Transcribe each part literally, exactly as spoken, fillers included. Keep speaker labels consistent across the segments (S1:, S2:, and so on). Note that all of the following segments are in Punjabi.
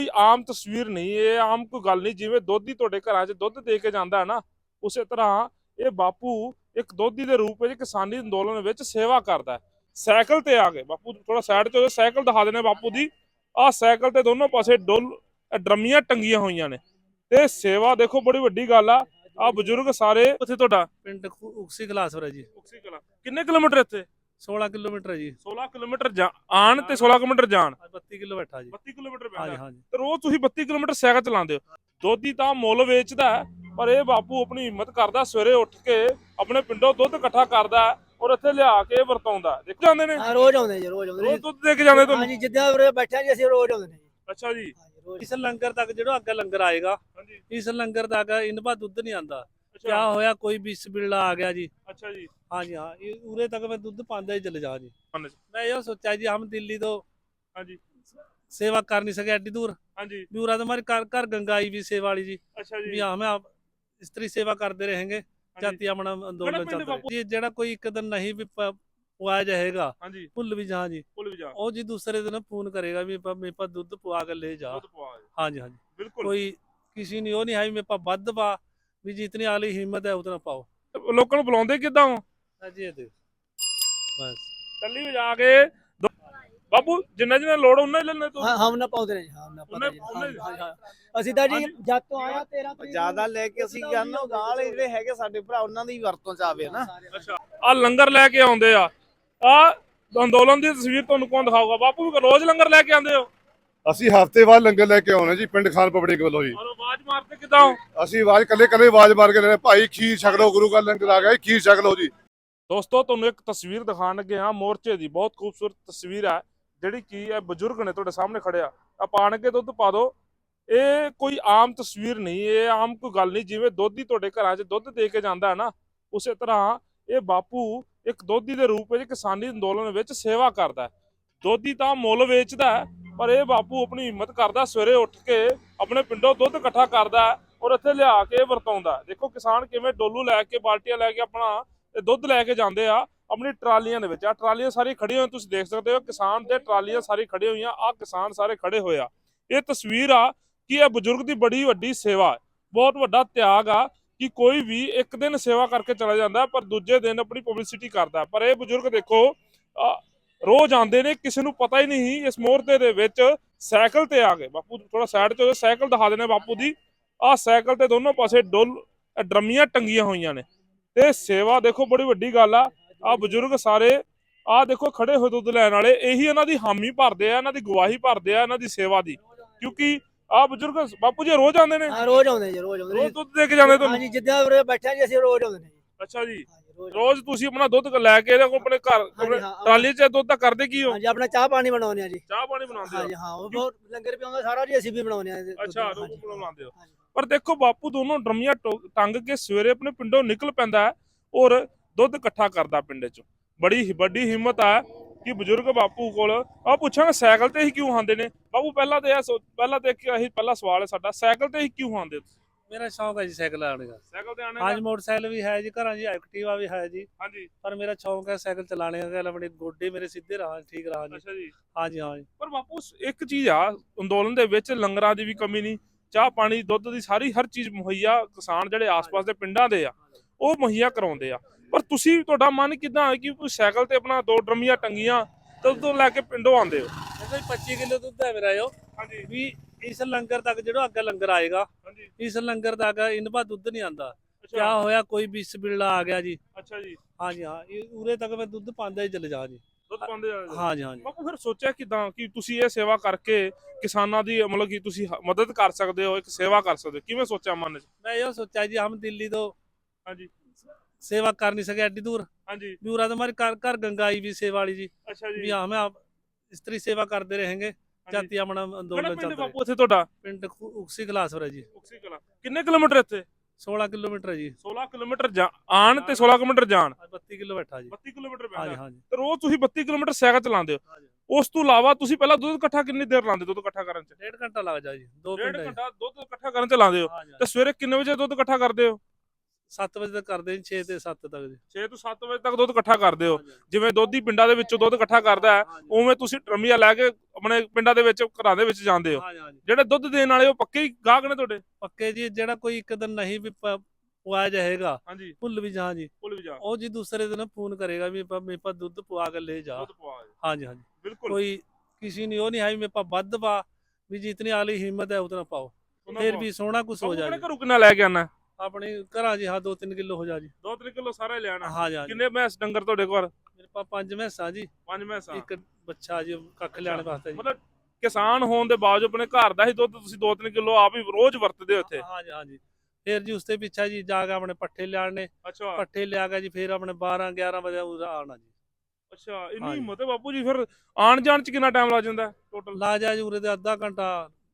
S1: ਆਮ ਤਸਵੀਰ ਨਹੀਂ, ਇਹ ਆਮ ਕੋਈ ਗੱਲ ਨਹੀਂ। ਜਿਵੇਂ ਦੋਧੀ ਤੁਹਾਡੇ ਘਰਾਂ 'ਚ ਦੁੱਧ ਦੇ ਕੇ ਜਾਂਦਾ ਹੈ ਨਾ, ਉਸੇ ਤਰ੍ਹਾਂ ਇਹ ਬਾਪੂ ਇੱਕ ਦੋਧੀ ਦੇ ਰੂਪ ਵਿੱਚ ਕਿਸਾਨੀ ਅੰਦੋਲਨ ਵਿੱਚ ਸੇਵਾ ਕਰਦਾ ਹੈ। ਸਾਈਕਲ ਤੇ ਆ ਗਏ ਬਾਪੂ, ਥੋੜਾ ਸਾਈਡ ਤੇ ਹੋ ਜਾਓ, ਸਾਈਕਲ ਦਿਖਾ ਦੇਣੇ ਬਾਪੂ ਦੀ। ਆਹ ਸਾਈਕਲ ਤੇ ਦੋਨੋਂ ਪਾਸੇ ਡੁੱਲ ਡਰਮੀਆਂ ਟੰਗੀਆਂ ਹੋਈਆਂ ਨੇ ਤੇ ਸੇਵਾ ਦੇਖੋ, ਬੜੀ ਵੱਡੀ ਗੱਲ ਆ। ਆ ਬਜ਼ੁਰਗ ਸਾਰੇ ਉੱਥੇ। ਤੁਹਾਡਾ
S2: ਪਿੰਡ ਉਕਸੀ ਕਲਾਸਵਰ ਹੈ ਜੀ।
S1: ਉਕਸੀ ਕਲਾਂ ਕਿੰਨੇ ਕਿਲੋਮੀਟਰ ਇੱਥੇ?
S2: सोलह किलोमीटर है जी।
S1: सोलह ਕਿਲੋਮੀਟਰ ਆਣ ਤੇ सोलह ਕਿਲੋਮੀਟਰ ਜਾਣ।
S2: बत्ती किलो बैठा जी।
S1: बत्ती ਕਿਲੋਮੀਟਰ
S2: हाँ जी
S1: ਪੈਂਦਾ
S2: हाँ जी।
S1: ਤੇ ਰੋਜ਼ ਤੁਸੀਂ बत्ती ਕਿਲੋਮੀਟਰ ਸਾਈਕਲ ਚਲਾਉਂਦੇ ਹੋ। ਦੋਧੀ ਤਾਂ ਮੁੱਲ ਵੇਚਦਾ ਹੈ, ਪਰ ਇਹ ਬਾਪੂ ਆਪਣੀ ਹਿੰਮਤ ਕਰਦਾ, ਸਵੇਰੇ ਉੱਠ ਕੇ ਆਪਣੇ ਪਿੰਡੋਂ ਦੁੱਧ ਇਕੱਠਾ ਕਰਦਾ ਔਰ ਇੱਥੇ ਲਿਆ ਕੇ ਵਰਤਾਉਂਦਾ। ਦੇਖ ਜਾਂਦੇ ਨੇ
S3: ਹਾਂ, ਰੋਜ਼ ਆਉਂਦੇ ਜੀ, ਰੋਜ਼ ਆਉਂਦੇ
S1: ਰੋਜ਼ ਦੁੱਧ ਦੇ ਕੇ ਜਾਂਦੇ
S3: ਹਾਂ
S1: ਤੁਹਾਨੂੰ?
S3: ਜੀ, ਜਿੱਦਾਂ ਉਰੇ ਬੈਠੇ ਜੀ ਅਸੀਂ ਰੋਜ਼ ਆਉਂਦੇ ਨੇ ਜੀ।
S1: ਅੱਛਾ ਜੀ।
S3: ਹਾਂ ਜੀ, ਰੋਜ਼।
S2: इस लंगर तक जो अगर लंगर आएगा,
S1: ਹਾਂਜੀ।
S2: इस लंगर तक इन बार दुध नहीं आंदा।
S1: ਅੱਛਾ
S2: क्या होया, कोई विष बिरला आ गया जी।
S1: ਅੱਛਾ ਜੀ।
S2: हाँ जी हाँ, ये उरे तक मैं दुध पांदा ही चले जा जी।
S1: ਹਾਂਜੀ
S2: मैं ये सोचा जी, हम दिल्ली तो
S1: ਹਾਂਜੀ
S2: सेवा कर नहीं सके एडी दूर।
S1: ਹਾਂਜੀ।
S2: भी उरा तो हमारे घर घर गंगा आई भी सेवा वाली जी।
S1: ਅੱਛਾ
S2: भी
S1: ਜੀ।
S2: हमें आप स्त्री सेवा करते रहेंगे,
S1: ਹਾਂਜੀ
S2: जाति अपना आंदोलन
S1: पिंड
S2: चलता
S1: बापू?
S2: है जी। जेड़ा कोई एक दिन नहीं भी प- पुआया जाएगा,
S1: ਹਾਂਜੀ
S2: भुल भी जहाँ जी,
S1: ਭੁੱਲ ਵੀ ਜਾ
S2: ਉਹ ਜੀ दूसरे दिन फोन करेगा भी प- मेरे पास दुध पुआ कर ले जा।
S1: ਦੁੱਧ ਪਵਾ ਦੇ।
S2: हाँ जी हाँ जी।
S1: ਬਿਲਕੁਲ।
S2: कोई किसी ने वो नहीं है भी मेरे पास बद पा, भी जितनी आली हिम्मत है उतना पाओ।
S1: ਲੋਕਾਂ ਨੂੰ ਬੁਲਾਉਂਦੇ ਕਿੱਦਾਂ ਹੋ?
S2: हाँ जी, ये देखो बस।
S1: ਟੱਲੀ ਵਜਾ ਕੇ ਦੋ- ਬਾਪੂ ਜਿੰਨਾ ਜਿੰਨਾ ਲੋੜ ਉਹਨਾਂ ਹੀ ਲੈਣੇ ਤੂੰ।
S3: ਹਾਂ, ਹਮ ਨਾ ਪਾਉਂਦੇ ਨੇ ਜੀ, ਹਾਂ ਨਾ
S1: ਉਹਨੇ-
S3: ਪਾਉਂਦੇ
S1: ਉਹਨੇ-
S3: ਜੀ। ਹਾਂ, ਹਾਂ, ਹਾਂ। ਅਸੀਂ ਤਾਂ ਜੀ
S1: ਹਾਂਜੀ।
S3: ਜਦ ਤੋਂ ਆਇਆ ਤੇਰਾਂ ਤਰੀਕ
S4: ਜਿਆਦਾ ਲੈ ਕੇ ਅਸੀਂ ਕਰਨਾ ਗਾਲ ਜਿਹੜੇ ਹੈਗੇ ਸਾਡੇ ਭਰਾ ਉਹਨਾਂ ਦੀ ਵਰਤੋਂ ਚ ਆਵੇ ਨਾ।
S1: ਅੱਛਾ, ਆ ਲੰਗਰ ਲੈ ਕੇ ਆਉਂਦੇ ਆ। ਆ ਅੰਦੋਲਨ ਦੀ ਤਸਵੀਰ ਤੁਹਾਨੂੰ ਕੌਣ ਦਿਖਾਊਗਾ? ਬਾਪੂ ਵੀ ਰੋਜ਼ ਲੰਗਰ ਲੈ ਕੇ ਆਉਂਦੇ ਹੋ?
S5: ਅਸੀਂ ਹਫ਼ਤੇ ਬਾਅਦ ਲੰਗਰ ਲੈ ਕੇ ਆਉਣੇ ਜੀ ਪਿੰਡ ਖਾਨ ਪਬਲਿਕ ਵੱਲੋਂ ਜੀ।
S1: ਔਰ ਆਵਾਜ਼ ਮਾਰਦੇ ਕਿੱਦਾਂ ਹੋ?
S5: ਅਸੀਂ ਆਵਾਜ਼ ਕੱਲੇ ਕੱਲੇ ਆਵਾਜ਼ ਮਾਰ ਕੇ ਲੈਣੇ, ਭਾਈ ਖੀਰ ਛਕ ਲਓ, ਗੁਰੂ ਘਰ ਲੰਗਰ ਆ ਗਿਆ ਜੀ, ਖੀਰ ਛਕ ਲਓ ਜੀ।
S1: ਦੋਸਤੋ, ਤੁਹਾਨੂੰ ਇੱਕ ਤਸਵੀਰ ਦਿਖਾਣ ਲੱਗੇ ਹਾਂ ਮੋਰਚੇ ਦੀ। ਬਹੁਤ ਖੂਬਸੂਰਤ ਤਸਵੀਰ ਹੈ, ਜਿਹੜੀ ਕੀ ਹੈ, ਬਜ਼ੁਰਗ ਨੇ ਤੁਹਾਡੇ ਸਾਹਮਣੇ ਖੜਿਆ। ਆ ਪਾਣ ਕੇ ਦੁੱਧ ਪਾ ਦਿਓ। ਇਹ ਕੋਈ ਆਮ ਤਸਵੀਰ ਨਹੀਂ, ਇਹ ਆਮ ਕੋਈ ਗੱਲ ਨਹੀਂ। ਜਿਵੇਂ ਦੋਧੀ ਤੁਹਾਡੇ ਘਰਾਂ 'ਚ ਦੁੱਧ ਦੇ ਕੇ ਜਾਂਦਾ ਹੈ ਨਾ, ਉਸੇ ਤਰ੍ਹਾਂ ਇਹ ਬਾਪੂ ਇੱਕ ਦੋਧੀ ਦੇ ਰੂਪ ਵਿੱਚ ਕਿਸਾਨੀ ਅੰਦੋਲਨ ਵਿੱਚ ਸੇਵਾ ਕਰਦਾ ਹੈ। ਦੋਧੀ ਤਾਂ ਮੁੱਲ ਵੇਚਦਾ ਹੈ, ਪਰ ਇਹ ਬਾਪੂ ਆਪਣੀ ਹਿੰਮਤ ਕਰਦਾ, ਸਵੇਰੇ ਉੱਠ ਕੇ ਆਪਣੇ ਪਿੰਡੋਂ ਦੁੱਧ ਇਕੱਠਾ ਕਰਦਾ ਔਰ ਇੱਥੇ ਲਿਆ ਕੇ ਵਰਤਾਉਂਦਾ। ਦੇਖੋ ਕਿਸਾਨ ਕਿਵੇਂ ਡੋਲੂ ਲੈ ਕੇ, ਬਾਲਟੀਆਂ ਲੈ ਕੇ ਆਪਣਾ ਇਹ ਦੁੱਧ ਲੈ ਕੇ ਜਾਂਦੇ ਆ ਆਪਣੀ ਟਰਾਲੀਆਂ ਦੇ ਵਿੱਚ। ਆ ਟਰਾਲੀਆਂ ਸਾਰੀ ਖੜੀਆਂ ਹੋਈਆਂ, ਤੁਸੀਂ ਦੇਖ ਸਕਦੇ ਹੋ। ਕਿਸਾਨ ਦੇ ਟਰਾਲੀਆਂ ਸਾਰੀ ਖੜੇ ਹੋਈਆਂ, ਆ ਕਿਸਾਨ ਸਾਰੇ ਖੜੇ ਹੋਏ ਆ। ਇਹ ਤਸਵੀਰ ਆ ਕਿ ਇਹ ਬਜ਼ੁਰਗ ਦੀ ਬੜੀ ਵੱਡੀ ਸੇਵਾ ਹੈ, ਬਹੁਤ ਵੱਡਾ ਤਿਆਗ ਆ ਕਿ ਕੋਈ ਵੀ ਇੱਕ ਦਿਨ ਸੇਵਾ ਕਰਕੇ ਚਲਾ ਜਾਂਦਾ ਪਰ ਦੂਜੇ ਦਿਨ ਆਪਣੀ ਪਬਲਿਸਿਟੀ ਕਰਦਾ। ਪਰ ਇਹ ਬਜ਼ੁਰਗ ਦੇਖੋ, ਰੋਜ਼ ਆਉਂਦੇ ਨੇ, ਕਿਸੇ ਨੂੰ ਪਤਾ ਹੀ ਨਹੀਂ। ਇਸ ਮੋਰਚੇ ਦੇ ਵਿੱਚ ਸਾਈਕਲ ਤੇ ਆ ਗਏ ਬਾਪੂ, ਥੋੜਾ ਸਾਈਡ ਤੇ ਹੋ ਜਾਓ, ਸਾਈਕਲ ਦਿਖਾ ਦੇਣੇ ਬਾਪੂ ਦੀ। ਆਹ ਸਾਈਕਲ ਤੇ ਦੋਨੋਂ ਪਾਸੇ ਡੁੱਲ ਡਰਮੀਆਂ ਟੰਗੀਆਂ ਹੋਈਆਂ ਨੇ ਤੇ ਸੇਵਾ ਦੇਖੋ, ਬੜੀ ਵੱਡੀ ਗੱਲ ਆ। ਆ ਬਜ਼ੁਰਗ ਸਾਰੇ ਆ ਦੇਖੋ ਖੜੇ ਹੋਏ ਦੁੱਧ ਲੈਣ ਵਾਲੇ, ਇਹੀ ਇਹਨਾਂ ਦੀ ਹਾਮੀ ਭਰਦੇ ਆ, ਇਹਨਾਂ ਦੀ ਗਵਾਹੀ ਭਰਦੇ ਆ ਇਹਨਾਂ ਦੀ ਸੇਵਾ ਦੀ। ਕਿਉਂਕਿ ਆ ਬਜ਼ੁਰਗ ਬਾਪੂ ਜੀ ਰੋਜ਼ ਆਉਂਦੇ ਨੇ?
S3: ਹਾਂ, ਰੋਜ਼ ਆਉਂਦੇ ਜੀ, ਰੋਜ਼ ਆਉਂਦੇ
S1: ਰੋਜ਼
S3: ਨੇ।
S1: ਦੁੱਧ ਦੇ ਕੇ ਜਾਂਦੇ
S3: ਹਾਂ
S1: ਤੁਹਾਨੂੰ?
S3: ਜੀ, ਜਿੱਦਾਂ ਉਰੇ ਬੈਠੇ ਜੀ ਅਸੀਂ ਰੋਜ਼ ਆਉਂਦੇ ਨੇ ਜੀ।
S1: ਅੱਛਾ ਜੀ।
S3: ਹਾਂ ਜੀ, ਰੋਜ਼।
S1: ਰੋਜ਼ ਤੁਸੀਂ ਆਪਣਾ ਦੁੱਧ ਲੈ ਕੇ ਇਹਦੇ ਕੋਲ ਆਪਣੇ ਘਰ ਆਪਣੇ
S3: ਹਾਂ, ਹਾਂ।
S1: ਟਰਾਲੀ 'ਚ ਦੁੱਧ ਤਾਂ ਕਰਦੇ ਕੀ ਹੋ?
S3: ਹਾਂ ਜੀ, ਆਪਣਾ ਚਾਹ ਪਾਣੀ ਬਣਾਉਂਦੇ ਆ ਜੀ।
S1: ਚਾਹ ਪਾਣੀ ਬਣਾਉਂਦੇ
S3: ਹਾਂ
S1: ਹੋ?
S3: ਜੀ ਹਾਂ, ਉਹ ਬਹੁਤ ਲੰਗਰ ਵੀ ਆਉਂਦਾ ਸਾਰਾ ਜੀ, ਅਸੀਂ ਵੀ ਬਣਾਉਂਦੇ ਆ।
S1: ਅੱਛਾ,
S3: ਹਾਂ
S1: ਦੁੱਧ
S3: ਜੀ,
S1: ਬਣਾਉਂਦੇ ਹੋ।
S3: ਹਾਂ ਜੀ।
S1: ਪਰ ਦੇਖੋ ਬਾਪੂ ਦੋਨੋਂ ਡਰਮੀਆਂ ਟੋ- ਟੰਗ ਕੇ ਸਵੇਰੇ ਆਪਣੇ ਪਿੰਡੋਂ ਨਿਕਲ ਪੈਂਦਾ ਹੈ ਔਰ ਦੁੱਧ ਇਕੱਠਾ ਕਰਦਾ ਪਿੰਡ 'ਚ। ਬੜੀ ਵੱਡੀ ਹਿੰਮਤ ਆ ਕਿ ਬਜ਼ੁਰਗ ਬਾਪੂ ਕੋਲ। ਆ ਪੁੱਛਾਂਗੇ ਸਾਈਕਲ ਤੇ ਹੀ ਕਿਉਂ ਆਉਂਦੇ ਨੇ ਬਾਪੂ? ਪਹਿਲਾਂ ਤੇ ਇਹ ਸੋ- ਪਹਿਲਾਂ ਤੇ ਇੱਕ ਇਹੀ ਪਹਿਲਾ ਸਵਾਲ ਹੈ ਸਾਡਾ, ਸਾਈਕਲ ਤੇ ਹੀ ਕਿਉਂ ਆਉਂਦੇ ਤੁਸੀਂ?
S2: मेरा शौक है जी साइकिल आने का।
S1: ਸਾਈਕਲ ਤੇ ਆਣੇ
S2: हाँ
S1: ਦਾ?
S2: जी, मोटरसाइकिल भी है जी, घर जी एक्टिवा भी है जी।
S1: ਹਾਂਜੀ।
S2: पर मेरा शौक है साइकिल चलाने का, अपने गोडे मेरे सीधे रहा, ठीक रहा जी।
S1: ਅੱਛਾ ਜੀ।
S2: हाँ जी हाँ जी।
S1: ਪਰ ਬਾਪੂ ਇੱਕ ਚੀਜ਼ ਆ, ਅੰਦੋਲਨ ਦੇ ਵਿੱਚ ਲੰਗਰਾਂ ਦੀ ਵੀ ਕਮੀ ਨਹੀਂ, ਚਾਹ ਪਾਣੀ ਦੁੱਧ ਦੀ ਸਾਰੀ ਹਰ ਚੀਜ਼ ਮੁਹੱਈਆ ਕਿਸਾਨ ਜਿਹੜੇ ਆਸ-ਪਾਸ ਦੇ ਪਿੰਡਾਂ ਦੇ ਆ ਉਹ ਮੁਹੱਈਆ ਕਰਾਉਂਦੇ ਆ। ਪਰ ਤੁਸੀਂ, ਤੁਹਾਡਾ ਮਨ ਕਿੱਦਾਂ ਹੈ ਕਿ ਤੁਸੀਂ ਸਾਈਕਲ ਤੇ ਆਪਣਾ ਦੋ ਡਰਮੀਆਂ ਟੰਗੀਆਂ ਤੇ ਉਦੋਂ ਲੈ ਕੇ ਪਿੰਡੋਂ ਆਉਂਦੇ ਹੋ?
S2: देखो जी, पच्चीस किलो दुध है मेरा यो।
S1: ਹਾਂਜੀ
S2: भी इस लंगर तक जो अगर लंगर आएगा,
S1: ਹਾਂਜੀ।
S2: इस लंगर तक इन बार दुध नहीं आंदा। क्या
S1: ਅੱਛਾ
S2: होया, कोई विष बिरला आ गया जी।
S1: ਅੱਛਾ ਜੀ।
S2: हाँ जी हाँ, ये उरे तक मैं दुध पांदा ही चले जा जी।
S1: ਦੁੱਧ ਪਾਉਂਦੇ ਆ?
S2: हाँ जी हाँ जी।
S1: ਬਾਪੂ ਫਿਰ ਸੋਚਿਆ ਕਿਦਾਂ ਕਿ ਤੁਸੀਂ ਇਹ ਸੇਵਾ ਕਰਕੇ ਕਿਸਾਨਾਂ ਦੀ ਮਤਲਬ ਕਿ ਤੁਸੀਂ ਹ- ਮਦਦ ਕਰ ਸਕਦੇ ਹੋ, ਇੱਕ ਸੇਵਾ ਕਰ ਸਕਦੇ ਹੋ? ਕਿਵੇਂ ਸੋਚਿਆ ਮਨ 'ਚ?
S2: मैं ये सोचा जी, हम दिल्ली तो
S1: ਹਾਂਜੀ
S2: सेवा कर नहीं सके एडी दूर।
S1: ਹਾਂਜੀ।
S2: भी उरा तो हमारे घर घर गंगा आई भी सेवा वाली जी।
S1: ਅੱਛਾ
S2: भी
S1: ਜੀ।
S2: हमें आप स्त्री सेवा करते रहेंगे,
S1: ਹਾਂਜੀ।
S2: जाति अपना
S1: ਕਿਹੜਾ
S2: आंदोलन
S1: ਪਿੰਡ
S2: चलता है।
S1: ਬਾਪੂ ਇੱਥੇ ਤੁਹਾਡਾ?
S2: पिंड उकसी कलासवर है जी।
S1: ਉਕਸੀ ਕਲਾਂ ਕਿੰਨੇ ਕਿਲੋਮੀਟਰ ਇੱਥੇ?
S2: सोलह किलोमीटर है जी।
S1: सोलह ਕਿਲੋਮੀਟਰ ਜਾ- ਆਣ ਤੇ सोलह ਕਿਲੋਮੀਟਰ ਜਾਣ।
S2: बत्ती किलो बैठा जी।
S1: बत्ती ਕਿਲੋਮੀਟਰ
S2: हाँ जी
S1: ਪੈਂਦਾ
S2: हाँ जी।
S1: ਤੇ ਰੋਜ਼ ਤੁਸੀਂ बत्ती ਕਿਲੋਮੀਟਰ ਸਾਈਕਲ ਚਲਾਉਂਦੇ ਹੋ।
S2: हाँ जी।
S1: ਉਸ ਤੋਂ ਇਲਾਵਾ ਤੁਸੀਂ ਪਹਿਲਾਂ ਦੁੱਧ ਇਕੱਠਾ ਕਿੰਨੀ ਦੇਰ ਲਾਉਂਦੇ ਦੁੱਧ ਇਕੱਠਾ ਕਰਨ 'ਚ?
S2: डेढ़ घंटा लग जाए जी, दो
S1: ਡੇਢ
S2: पिंड है जी।
S1: ਘੰਟਾ ਦੁੱਧ ਇਕੱਠਾ ਕਰਨ 'ਚ ਲਾਉਂਦੇ ਹੋ।
S2: हाँ जी हाँ
S1: ਤੇ
S2: जी।
S1: ਸਵੇਰੇ ਕਿੰਨੇ ਵਜੇ ਦੁੱਧ ਇਕੱਠਾ ਕਰਦੇ ਹੋ?
S2: ਸੱਤ ਵਜੇ ਤੱਕ ਕਰਦੇ ਜੀ, ਛੇ ਤੇ ਸੱਤ ਤੱਕ ਜੀ।
S1: ਛੇ ਤੋਂ ਸੱਤ ਵਜੇ ਤੱਕ ਦੁੱਧ ਇਕੱਠਾ ਕਰਦੇ ਹੋ।
S2: ਹਾਂਜੀ,
S1: ਜਿਵੇਂ ਦੋਧੀ ਪਿੰਡਾਂ ਦੇ ਵਿੱਚੋਂ ਦੁੱਧ ਇਕੱਠਾ ਕਰਦਾ ਹੈ,
S2: ਹਾਂਜੀ,
S1: ਉਵੇਂ ਤੁਸੀਂ ਟਰਮੀਆਂ ਲੈ ਕੇ ਆਪਣੇ ਪਿੰਡਾਂ ਦੇ ਵਿੱਚ ਘਰਾਂ ਦੇ ਵਿੱਚ ਜਾਂਦੇ ਹੋ।
S2: ਹਾਂਜੀ, ਹਾਂਜੀ।
S1: ਜਿਹੜੇ ਦੁੱਧ ਦੇਣ ਵਾਲੇ ਉਹ ਪੱਕੇ ਹੀ ਗਾਹਕ ਨੇ ਤੁਹਾਡੇ?
S2: ਪੱਕੇ ਜੀ, ਜਿਹੜਾ ਕੋਈ ਇੱਕ ਦਿਨ ਨਹੀਂ ਵੀ ਪ- ਪਵਾਇਆ ਜਾਏਗਾ,
S1: ਹਾਂਜੀ,
S2: ਭੁੱਲ ਵੀ ਜਾ ਜੀ,
S1: ਭੁੱਲ ਵੀ ਜਾ
S2: ਉਹ ਜੀ ਦੂਸਰੇ ਦਿਨ ਫੋਨ ਕਰੇਗਾ ਵੀ ਪਾ- ਮੇਰੇ ਪਾ ਦੁੱਧ ਪਵਾ ਕੇ ਲੈ ਜਾ।
S1: ਦੁੱਧ ਪਵਾ ਦੇ।
S2: ਹਾਂਜੀ, ਹਾਂਜੀ।
S1: ਬਿਲकुल
S2: कोई किसी ने वो नहीं है मेरे पास बद पा भी जितनी आली हिम्मत है उतना पाओ, फिर भी सोना कुछ हो
S1: ਆਪਣੇ
S2: जाए।
S1: ਘਰੋਂ ਕਿੰਨਾ ਲੈ ਕੇ ਆਣਾ?
S2: अपने घरा जी हाँ दो तीन किलो हो जा जी।
S1: ਦੋ ਤਿੰਨ ਕਿਲੋ ਸਾਰਾ ਹੀ ਲੈਣਾ।
S2: हाँ जी, हाँ जी।
S1: ਕਿੰਨੇ ਮੈਸ ਡੰਗਰ ਤੁਹਾਡੇ ਕੋਲ?
S2: मेरे पास पांच भैंसा जी,
S1: ਪੰਜ ਮੈਸਾਂ।
S2: एक बच्चा जी कख लियाने वास्ते जी।
S1: ਮਤਲਬ ਕਿਸਾਨ ਹੋਣ ਦੇ ਬਾਵਜੂਦ ਆਪਣੇ ਘਰ ਦਾ ਹੀ ਦੁੱਧ ਤੁਸੀਂ ਦੋ ਤਿੰਨ ਕਿਲੋ ਆਪ ਹੀ ਰੋਜ਼ ਵਰਤਦੇ ਹੋ ਇੱਥੇ?
S2: हाँ जी, हाँ जी। फिर जी उसके पीछे जी जाके अपने पट्ठे लियाने,
S1: ਅੱਛਾ
S2: पट्ठे लिया के जी फिर अपने बारह ग्यारह बजे उधर आना जी।
S1: ਅੱਛਾ ਇੰਨੀ
S2: ਹਾਂਜੀ।
S1: ਹਿੰਮਤ ਹੈ ਬਾਪੂ ਜੀ। ਫਿਰ ਆਣ ਜਾਣ ਚ ਕਿੰਨਾ ਟਾਈਮ ਲੱਗ ਜਾਂਦਾ ਟੋਟਲ?
S2: ला जा जी उरे ते अद्धा घंटा।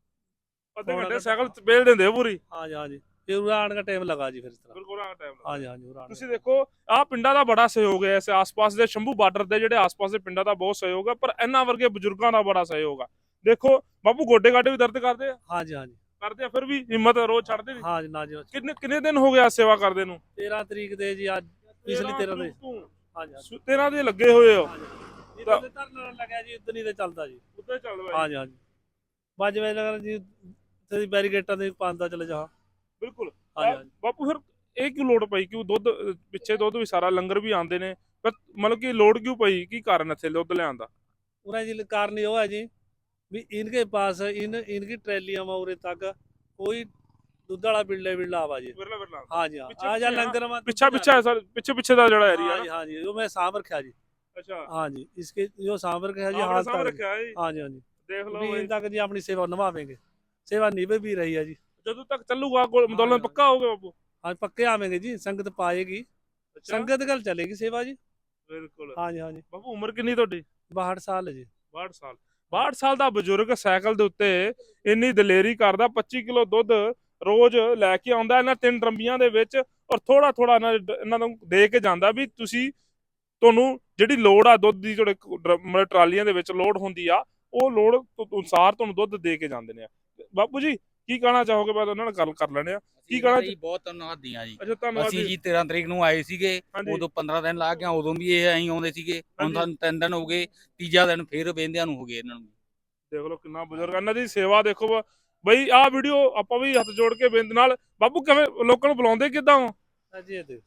S1: ਅੱਧੇ
S2: ਪੌਣਾ
S1: ਘੰਟੇ
S2: ਘੰਟਾ।
S1: ਸਾਈਕਲ ਚ ਬੇਲ ਦਿੰਦੇ ਹੋ ਪੂਰੀ?
S2: हाँ जी, हाँ जी। फिर उरे आने का टाइम लगा जी फिर इस तरह।
S1: ਬਿਲਕੁਲ ਆ ਟਾਈਮ
S2: हाँ जी, हाँ जी। उरे आने
S1: ਤੁਸੀਂ ਦੇਖੋ ਆਹ ਪਿੰਡਾਂ ਦਾ ਬੜਾ ਸਹਿਯੋਗ ਹੈ। ਇਸ ਆਸ-ਪਾਸ ਦੇ ਸ਼ੰਭੂ ਬਾਰਡਰ ਦੇ ਜਿਹੜੇ ਆਸ-ਪਾਸ ਦੇ ਪਿੰਡਾਂ ਦਾ ਬਹੁਤ ਸਹਿਯੋਗ ਹੈ, ਪਰ ਇਹਨਾਂ ਵਰਗੇ ਬਜ਼ੁਰਗਾਂ ਦਾ ਬੜਾ ਸਹਿਯੋਗ ਆ। ਦੇਖੋ ਬਾਪੂ ਗੋਡੇ ਗਾਡੇ ਵੀ ਦਰਦ ਕਰਦੇ ਆ?
S2: हाँ जी, हाँ जी।
S1: ਕਰਦੇ ਆ, ਫਿਰ ਵੀ ਹਿੰਮਤ ਰੋਜ਼ ਛੱਡਦੇ ਨਹੀਂ?
S2: हाँ जी, ना जी।
S1: ਕਿੰਨੇ ਕਿੰਨੇ ਦਿਨ ਹੋ ਗਿਆ ਸੇਵਾ ਕਰਦੇ ਨੂੰ?
S2: तेरह तरीक दे जी आज पिछली तेरह दे।
S1: ਤੂੰ
S2: हाँ जी, हाँ जी।
S1: ਤੇਰਾਂ ਦੇ ਲੱਗੇ ਹੋਏ ਹੋ।
S2: ਜਿੱਦਾਂ ਦੇ ਧਰਨਾ ਲੱਗਿਆ ਜੀ ਉਦੋਂ ਹੀ ਤੇ ਚੱਲਦਾ ਜੀ।
S1: ਉੱਤੇ ਚੱਲ ਬਾਈ।
S2: ਹਾਂਜੀ, ਹਾਂਜੀ। ਪੰਜ ਵਜੇ ਲੱਗਣਾ ਜੀ ਤੇ ਬੈਰੀਕੇਟਾਂ ਦੇ ਪਾਉਂਦਾ ਚਲੇ ਜਾ।
S1: ਬਿਲਕੁਲ।
S2: ਹਾਂਜੀ, ਹਾਂਜੀ।
S1: ਬਾਪੂ ਫਿਰ ਇਹ ਕਿਉਂ ਲੋੜ ਪਈ? ਕਿਉਂ ਦੁੱਧ ਅਹ, ਪਿੱਛੇ ਦੁੱਧ ਵੀ ਸਾਰਾ ਲੰਗਰ ਵੀ ਆਉਂਦੇ ਨੇ, ਪਰ ਮਤਲਬ ਕਿ ਲੋੜ ਕਿਉਂ ਪਈ? ਕੀ ਕਾਰਨ ਇੱਥੇ ਦੁੱਧ ਲਿਆਉਣ ਦਾ?
S2: पूरा जी कारण ये है जी भी इनके पास इन इनकी ट्रैलियां में उरे तक कोई दूध वाला बिल्ले बिल्ला आवा जी।
S1: ਵਿਰਲਾ ਵਿਰਲਾ
S2: हाँ जी, हाँ।
S1: पीछे-
S2: आ जा
S1: पीछे,
S2: लंगर में
S1: ਪਿੱਛਾ ਪਿੱਛਾ ਹੈ ਸਰ, ਪਿੱਛੇ ਪਿੱਛੇ ਦਾ ਜਿਹੜਾ
S2: हाँ
S1: ਏਰੀਆ
S2: जी, हाँ जी। वो मैं सांभ रखा जी।
S1: ਅੱਛਾ
S2: हाँ जी, इसके जो सांभ रखा जी
S1: ਆਪਣੇ
S2: हाल
S1: ਸਾਹਮਣੇ
S2: तक।
S1: ਰੱਖਿਆ ਹੈ ਜੀ।
S2: हाँ जी, हाँ जी।
S1: ਦੇਖ ਲਓ
S2: भी
S1: ਬਈ।
S2: इन तक जी अपनी सेवा निभावेंगे, सेवा निभ भी रही है जी।
S1: ਜਦੋਂ ਤੱਕ ਚੱਲੂਗਾ ਗੋਲ ਅੰਦੋਲਨ
S2: ਹਾਂ।
S1: ਪੱਕਾ ਹੋਊਗਾ ਬਾਪੂ?
S2: हाँ पक्के आवेंगे जी, संगत पाएगी,
S1: ਅੱਛਾ
S2: संगत गल चलेगी सेवा जी।
S1: ਬਿਲਕੁਲ।
S2: हाँ जी, हाँ जी।
S1: ਬਾਪੂ ਉਮਰ ਕਿੰਨੀ ਤੁਹਾਡੀ?
S2: बाहठ साल है जी।
S1: ਬਾਹਠ ਸਾਲ। ਬਾਹਠ ਸਾਲ ਦਾ ਬਜ਼ੁਰਗ ਸਾਈਕਲ ਦੇ ਉੱਤੇ ਇੰਨੀ ਦਲੇਰੀ ਕਰਦਾ। ਪੱਚੀ ਕਿਲੋ ਦੁੱਧ ਰੋਜ਼ ਲੈ ਕੇ ਆਉਂਦਾ ਇਹਨਾਂ ਤਿੰਨ ਟਰੰਬੀਆਂ ਦੇ ਵਿੱਚ, ਔਰ ਥੋੜਾ ਥੋੜਾ ਇਹਨਾਂ ਨੂੰ ਦੇ ਕੇ ਜਾਂਦਾ ਵੀ ਤੁਸੀਂ ਤੁਹਾਨੂੰ ਜਿਹੜੀ ਲੋੜ ਆ ਦੁੱਧ ਦੀ, ਤੁਹਾਡੇ ਡ- ਮਤਲਬ ਟਰਾਲੀਆਂ ਦੇ ਵਿੱਚ ਲੋਡ ਹੁੰਦੀ ਆ, ਉਹ ਲੋੜ ਅਨੁਸਾਰ ਤੁਹਾਨੂੰ ਦੁੱਧ ਦੇ ਕੇ ਜਾਂਦੇ ਨੇ ਆ। ਬਾਪੂ ਜੀ ਕੀ ਕਹਿਣਾ ਚਾਹੋਗੇ? ਬਾਅਦ ਉਹਨਾਂ ਨਾਲ ਗੱਲ ਕਰ ਲੈਣੇ ਆ। ਕੀ ਕਹਿਣਾ?
S6: ਜੀ ਬਹੁਤ ਧੰਨਵਾਦ ਦੀਆਂ ਜੀ।
S1: ਅੱਛਾ ਧੰਨਵਾਦ
S6: ਅਸੀਂ
S1: ਜੀ।
S6: ਜੀ ਤੇਰਾਂ ਤਰੀਕ ਨੂੰ ਆਏ ਸੀਗੇ,
S1: ਹਾਂਜੀ
S6: ਉਦੋਂ ਪੰਦਰਾਂ ਦਿਨ ਲਾ ਕੇ ਆਏ, ਉਦੋਂ ਵੀ ਇਹ ਐਂ ਆਉਂਦੇ ਸੀਗੇ। ਹੁਣ
S1: ਹਾਂਜੀ।
S6: ਸਾਨੂੰ ਤਿੰਨ ਦਿਨ ਹੋ ਗਏ, ਤੀਜਾ ਦਿਨ ਫੇਰ ਵੇਂਦਿਆਂ ਨੂੰ ਹੋ ਗਏ ਇਹਨਾਂ ਨੂੰ।
S1: ਦੇਖ ਲਓ ਕਿੰਨਾ ਬਜ਼ੁਰਗ ਆ। ਇਹਨਾਂ ਦੀ ਸੇਵਾ ਦੇਖੋ ਬ- ਬਈ ਆਹ ਵੀਡੀਓ ਆਪਾਂ ਵੀ ਹੱਥ ਜੋੜ ਕੇ ਬੇਨਤੀ ਨਾਲ, ਬਾਪੂ ਕਿਵੇਂ ਲੋਕਾਂ ਨੂੰ ਬੁਲਾਉਂਦੇ ਕਿੱਦਾਂ ਹੋ?
S2: हाँ जी, ये देखो।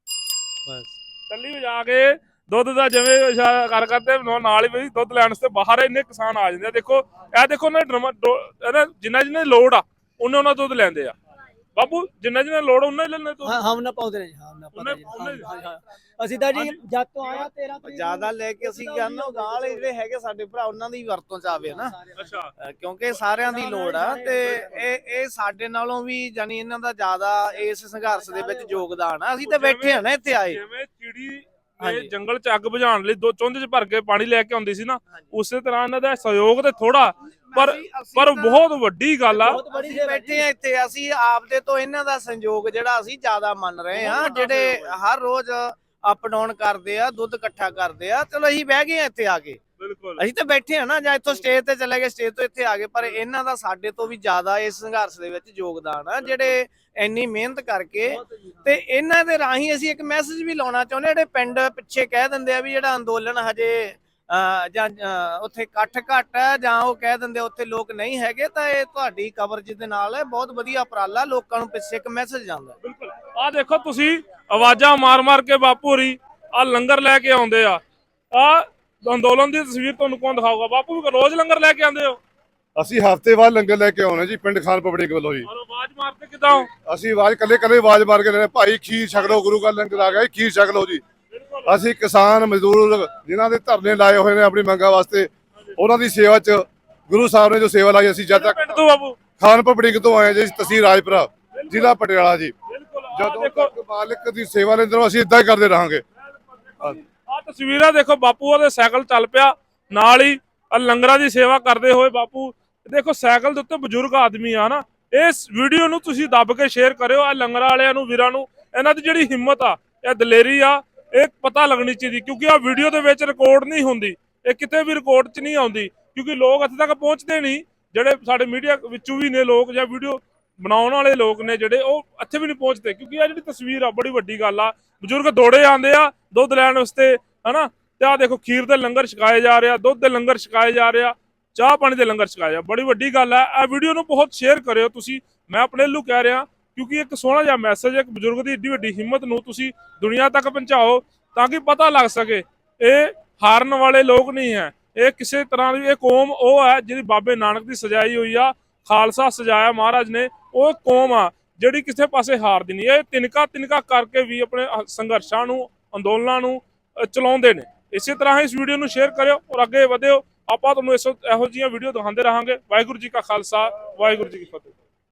S2: बस।
S1: ਟੱਲੀ ਵਜਾ ਕੇ ਦੁੱਧ ਦਾ ਜਿਵੇਂ ਇਸ਼ਾਰਾ ਕਰ ਕਰਦੇ ਨਾਲ ਨਾਲ ਹੀ ਬਈ ਦੁੱਧ ਲੈਣ ਵਾਸਤੇ ਬਾਹਰ ਇੰਨੇ ਕਿਸਾਨ ਆ ਜਾਂਦੇ ਆ। ਦੇਖੋ ਇਹ ਦੇਖੋ ਨਾ ਡਰਮ ਇਹਦਾ ਜਿੰਨਾ ਜਿੰਨਾ ਦੀ ਲੋੜ ਆ ਉਹਨੇ ਉਹਨਾਂ ਦੁੱਧ ਲੈਂਦੇ ਆ। ਬਾਪੂ ਜਿੰਨਾ ਜਿੰਨਾ ਲੋੜ ਉਹਨਾਂ ਹੀ ਲੈਣੇ ਤੂੰ?
S3: ਹਾਂ ਹਮ ਨਾ ਪਾਉਂਦੇ ਨੇ ਜੀ, ਹਾਂ ਨਾ
S1: ਉਹਨੇ-
S3: ਪਾਉਂਦੇ ਜੀ।
S1: ਉਹਨੇ-
S3: ਹਾਂ, ਹਾਂ, ਹਾਂ। ਅਸੀਂ ਤਾਂ ਜੀ
S1: ਹਾਂਜੀ।
S3: ਜਦ ਤੋਂ ਆਇਆ ਤੇਰਾਂ ਤਰੀਕ
S4: ਜਿਆਦਾ ਲੈ ਕੇ ਅਸੀਂ ਕਹਿੰਦੇ ਉਹ ਗਾਂ ਵਾਲੇ ਜਿਹੜੇ ਹੈਗੇ ਸਾਡੇ ਭਰਾ ਉਹਨਾਂ ਦੀ ਵਰਤੋਂ ਚ ਆਵੇ ਨਾ,
S1: ਅੱਛਾ
S4: ਅਹ ਕਿਉਂਕਿ ਸਾਰਿਆਂ ਦੀ ਲੋੜ ਆ ਤੇ ਇਹ ਇਹ ਸਾਡੇ ਨਾਲੋਂ ਵੀ ਜਾਨੀ ਇਹਨਾਂ ਦਾ ਜ਼ਿਆਦਾ ਇਸ ਸੰਘਰਸ਼ ਦੇ ਵਿੱਚ ਯੋਗਦਾਨ ਆ। ਅਸੀਂ ਤਾਂ ਬੈਠੇ ਆ ਨਾ ਇੱਥੇ ਆਏ।
S1: ਜਿਵੇਂ ਚਿੜੀ ਨੇ
S4: ਹਾਂਜੀ।
S1: ਜੰਗਲ ਚ ਅੱਗ ਬੁਝਾਉਣ ਲਈ ਦੋ ਚੁੰਝ ਚ ਭਰ ਕੇ ਪਾਣੀ ਲੈ ਕੇ ਆਉਂਦੀ ਸੀ ਨਾ, ਉਸੇ ਤਰ੍ਹਾਂ ਇਹਨਾਂ ਦਾ ਸਹਿਯੋਗ ਤੇ ਥੋੜਾ ਪਰ
S4: ਅਸੀਂ- ਅਸੀਂ
S1: ਪਰ
S4: ਤਾਂ
S1: ਬਹੁਤ ਵੱਡੀ ਗੱਲ ਆ।
S3: ਬਹੁਤ ਬੜੀ
S4: ਅਸੀਂ
S3: ਸੇਵਾ
S4: ਬੈਠੇ ਆ ਇੱਥੇ, ਅਸੀਂ ਆਪਦੇ ਤੋਂ ਇਹਨਾਂ ਦਾ ਸੰਯੋਗ ਜਿਹੜਾ ਅਸੀਂ ਜ਼ਿਆਦਾ ਮੰਨ ਰਹੇ ਆ, ਜਿਹੜੇ ਹਰ ਰੋਜ਼ ਅਪ ਡਾਊਨ ਕਰਦੇ ਆ, ਦੁੱਧ ਇਕੱਠਾ ਕਰਦੇ ਆ। ਚਲੋ ਅਸੀਂ ਬਹਿ ਗਏ ਆ ਇੱਥੇ ਆ ਕੇ,
S1: ਬਿਲਕੁਲ
S4: ਅਸੀਂ ਤਾਂ ਬੈਠੇ ਆ ਨਾ, ਜਾਂ ਇੱਥੋਂ ਸਟੇਜ ਤੇ ਚਲੇ ਗਏ, ਸਟੇਜ ਤੋਂ ਇੱਥੇ ਆ ਗਏ, ਪਰ ਇਹਨਾਂ ਦਾ ਸਾਡੇ ਤੋਂ ਵੀ ਜ਼ਿਆਦਾ ਇਸ ਸੰਘਰਸ਼ ਦੇ ਵਿੱਚ ਯੋਗਦਾਨ ਆ, ਜਿਹੜੇ ਇੰਨੀ ਮਿਹਨਤ ਕਰਕੇ। ਤੇ ਇਹਨਾਂ ਦੇ ਰਾਹੀਂ ਅਸੀਂ ਇੱਕ ਮੈਸੇਜ ਵੀ ਲਾਉਣਾ ਚਾਹੁੰਦੇ, ਜਿਹੜੇ ਪਿੰਡ ਪਿੱਛੇ ਕਹਿ ਦਿੰਦੇ ਆ ਵੀ ਜਿਹੜਾ ਅੰਦੋਲਨ ਹਜੇ ਅਹ ਜਾਂ ਅਹ ਉੱਥੇ ਇਕੱਠ ਘੱਟ ਹੈ, ਜਾਂ ਉਹ ਕਹਿ ਦਿੰਦੇ ਉੱਥੇ ਲੋਕ ਨਹੀਂ ਹੈਗੇ, ਤਾਂ ਇਹ ਤੁਹਾਡੀ ਕਵਰੇਜ ਦੇ ਨਾਲ ਬਹੁਤ ਵਧੀਆ ਉਪਰਾਲਾ, ਲੋਕਾਂ ਨੂੰ ਪਿੱਛੇ ਇੱਕ ਮੈਸੇਜ ਜਾਂਦਾ।
S1: ਬਿਲਕੁਲ ਆ ਦੇਖੋ ਤੁਸੀਂ ਆਵਾਜ਼ਾਂ ਮਾਰ ਮਾਰ ਕੇ ਬਾਪੂ ਹੋਰੀ ਆ ਲੰਗਰ ਲੈ ਕੇ ਆਉਂਦੇ ਆ। ਆ ਅੰਦੋਲਨ ਦੀ ਤਸਵੀਰ ਤੁਹਾਨੂੰ ਕੌਣ ਦਿਖਾਊਗਾ? ਬਾਪੂ ਵੀ ਰੋਜ਼ ਲੰਗਰ ਲੈ ਕੇ ਆਉਂਦੇ ਹੋ?
S5: ਅਸੀਂ ਹਫ਼ਤੇ ਬਾਅਦ ਲੰਗਰ ਲੈ ਕੇ ਆਉਣਾ ਜੀ ਪਿੰਡ ਖਾਨ ਪਬਲਿਕ ਵੱਲੋਂ ਜੀ।
S1: ਔਰ ਆਵਾਜ਼ ਮਾਰਦੇ ਕਿਦਾਂ ਹੋ?
S5: ਅਸੀਂ ਆਵਾਜ਼ ਕੱਲੇ ਕੱਲੇ ਆਵਾਜ਼ ਮਾਰ ਕੇ ਲੈਣੇ, ਭਾਈ ਖੀਰ ਛਕ ਲਓ, ਗੁਰੂ ਘਰ ਲੰਗਰ ਆ ਗਿਆ ਜੀ, ਖੀਰ ਛਕ ਲਓ ਜੀ। ਅਸੀਂ ਕਿਸਾਨ ਮਜ਼ਦੂਰ ਜਿਨ੍ਹਾਂ ਦੇ ਧਰਨੇ ਲਾਏ ਹੋਏ ਨੇ ਆਪਣੀ ਮੰਗਾਂ ਵਾਸਤੇ, ਉਹਨਾਂ ਦੀ ਸੇਵਾ 'ਚ ਗੁਰੂ ਸਾਹਿਬ ਨੇ ਜੋ ਸੇਵਾ ਲਾਈ, ਅਸੀਂ ਜਦ ਤੱਕ
S1: ਪਿੰਡ ਤੋਂ ਬਾਪੂ?
S5: ਖਾਨ ਪਬਲਿਕ ਤੋਂ ਆਏ ਜੀ, ਤਹਿਸੀਲ ਰਾਜਪੁਰਾ, ਜ਼ਿਲ੍ਹਾ ਪਟਿਆਲਾ ਜੀ।
S1: ਬਿਲਕੁਲ ਆ
S5: ਜਦੋਂ
S1: ਦੇਖੋ
S5: ਤੱਕ ਮਾਲਕ ਦੀ ਸੇਵਾ ਲੈਂਦੇ ਰਹੋ, ਅਸੀਂ ਇਦਾਂ ਹੀ ਕਰਦੇ ਰਹਾਂਗੇ।
S1: ਆ ਤਸਵੀਰਾਂ ਦੇਖੋ, ਬਾਪੂ ਉਹਦੇ ਸਾਈਕਲ ਚੱਲ ਪਿਆ, ਨਾਲ ਹੀ ਆ ਲੰਗਰਾਂ ਦੀ ਸੇਵਾ ਕਰਦੇ ਹੋਏ ਬਾਪੂ। ਦੇਖੋ ਸਾਈਕਲ ਦੇ ਉੱਤੇ ਬਜ਼ੁਰਗ ਆਦਮੀ ਆ ਨਾ। ਇਸ ਵੀਡੀਓ ਨੂੰ ਤੁਸੀਂ ਦੱਬ ਕੇ ਸ਼ੇਅਰ ਕਰਿਓ। ਆ ਲੰਗਰਾਂ ਵਾਲਿਆਂ ਨੂੰ, ਵੀਰਾਂ ਨੂੰ, ਇਹਨਾਂ ਦੀ ਜਿਹੜੀ ਹਿੰਮਤ ਆ, ਇਹ ਦਲੇਰੀ ਆ, ਇਹ ਪਤਾ ਲੱਗਣੀ ਚਾਹੀਦੀ, ਕਿਉਂਕਿ ਆ ਵੀਡੀਓ ਦੇ ਵਿੱਚ ਰਿਕਾਰਡ ਨਹੀਂ ਹੁੰਦੀ, ਇਹ ਕਿਤੇ ਵੀ ਰਿਕਾਰਡ 'ਚ ਨਹੀਂ ਆਉਂਦੀ, ਕਿਉਂਕਿ ਲੋਕ ਇੱਥੇ ਤੱਕ ਪਹੁੰਚਦੇ ਨਹੀਂ। ਜਿਹੜੇ ਸਾਡੇ ਮੀਡੀਆ ਵਿੱਚੋਂ ਵੀ ਨੇ ਲੋਕ ਜਾਂ ਵੀਡੀਓ ਬਣਾਉਣ ਵਾਲੇ ਲੋਕ ਨੇ ਜਿਹੜੇ ਉਹ ਇੱਥੇ ਵੀ ਨਹੀਂ ਪਹੁੰਚਦੇ, ਕਿਉਂਕਿ ਇਹ ਜਿਹੜੀ ਤਸਵੀਰ ਆ ਬੜੀ ਵੱਡੀ ਗੱਲ ਆ। ਬਜ਼ੁਰਗ ਦੌੜੇ ਆਉਂਦੇ ਆ ਦੁੱਧ ਲੈਣ ਵਾਸਤੇ, ਹਨਾ। ਤੇ ਆ ਦੇਖੋ ਖੀਰ ਦੇ ਲੰਗਰ ਛਕਾਏ ਜਾ ਰਹੇ ਆ, ਦੁੱਧ ਦੇ ਲੰਗਰ ਛਕਾਏ ਜਾ ਰਹੇ ਆ, ਚਾਹ ਪਾਣੀ ਦੇ ਲੰਗਰ ਛਕਾਏ ਜਾ, ਬੜੀ ਵੱਡੀ ਗੱਲ ਹੈ। ਇਹ ਵੀਡੀਓ ਨੂੰ ਬਹੁਤ ਸ਼ੇਅਰ ਕਰਿਓ ਤੁਸੀਂ, ਮੈਂ ਆਪਣੇ ਵੱਲੋਂ ਕਹਿ ਰਿਹਾ, ਕਿਉਂਕਿ ਇੱਕ ਸੋਹਣਾ ਜਿਹਾ ਮੈਸੇਜ, ਇੱਕ ਬਜ਼ੁਰਗ ਦੀ ਏਡੀ ਵੱਡੀ ਹਿੰਮਤ ਨੂੰ ਤੁਸੀਂ ਦੁਨੀਆ ਤੱਕ ਪਹੁੰਚਾਓ ਤਾਂ ਕਿ ਪਤਾ ਲੱਗ ਸਕੇ ਇਹ ਹਾਰਨ ਵਾਲੇ ਲੋਕ ਨਹੀਂ ਹੈ। ਇਹ ਕਿਸੇ ਤਰ੍ਹਾਂ ਦੀ ਇਹ ਕੌਮ ਉਹ ਹੈ ਜਿਹੜੀ ਬਾਬੇ ਨਾਨਕ ਦੀ ਸਜਾਈ ਹੋਈ ਆ, ਖਾਲਸਾ ਸਜਾਇਆ ਮਹਾਰਾਜ ਨੇ, ਉਹ ਕੌਮ ਆ ਜਿਹੜੀ ਕਿਸੇ ਪਾਸੇ ਹਾਰਦੀ ਨਹੀਂ। ਇਹ ਤਿਨਕਾ ਤਿਨਕਾ ਕਰਕੇ ਵੀ ਆਪਣੇ ਸੰਘਰਸ਼ਾਂ ਨੂੰ, ਅੰਦੋਲਨਾਂ ਨੂੰ ਚਲਾਉਂਦੇ ਨੇ। ਇਸੇ ਤਰ੍ਹਾਂ ਇਸ ਵੀਡੀਓ ਨੂੰ ਸ਼ੇਅਰ ਕਰਿਓ ਔਰ ਅੱਗੇ ਵਧਿਓ। ਆਪਾਂ ਤੁਹਾਨੂੰ ਇਸ ਇਹੋ ਜਿਹੀਆਂ ਵੀਡੀਓ ਦਿਖਾਉਂਦੇ ਰਹਾਂਗੇ। ਵਾਹਿਗੁਰੂ ਜੀ ਕਾ ਖਾਲਸਾ, ਵਾਹਿਗੁਰੂ ਜੀ ਕੀ ਫਤਿਹ।